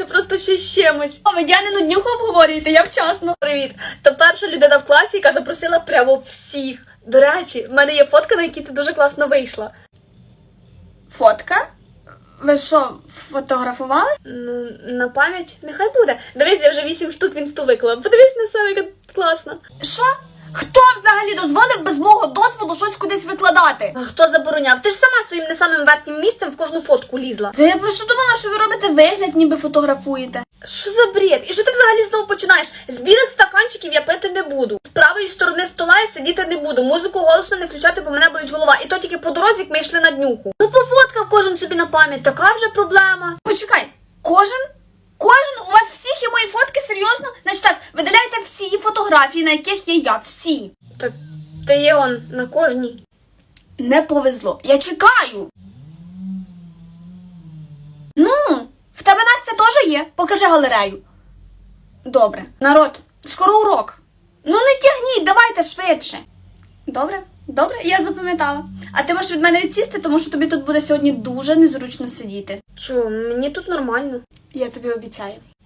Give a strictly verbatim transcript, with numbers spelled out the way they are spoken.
це просто ще з чимось. А ви Діанину днюху обговорюєте, я вчасно. Привіт. То перша людина в класі, яка запросила прямо всіх. До речі, в мене є фотка, на якій ти дуже класно вийшла. Фотка? Ви що, фотографували? Ну, на пам'ять? Нехай буде. Дивись, я вже вісім штук в інсту виклала. Подивись на себе, яка класна. Що? Хто взагалі дозволив без мого дозволу щось кудись викладати? А хто забороняв? Ти ж сама своїм не самим верхнім місцем в кожну фотку лізла. Та я просто думала, що ви робите вигляд, ніби фотографуєте. Що за бред? І що ти взагалі знову починаєш? З білих стаканчиків я пити не буду. З правої сторони стола я сидіти не буду. Музику голосно не включати, бо мене болить голова. І то тільки по дорозі, як ми йшли на днюху. Ну, по фотках кожен собі на пам'ять. Така вже проблема. Почекай, кожен? Кожен? У вас всіх є мої фотки? Серйозно? Значить так, видаляйте всі фотографії, на яких є я. Всі. Так ти є он на кожній. Не повезло. Я чекаю. Ну, в тебе Настя теж є? Покажи галерею. Добре. Народ, скоро урок. Ну не тягніть, давайте швидше. Добре? Добре, я запам'ятала. А ти можеш від мене відсісти, тому що тобі тут буде сьогодні дуже незручно сидіти. Чого? Мені тут нормально. Я тобі обіцяю.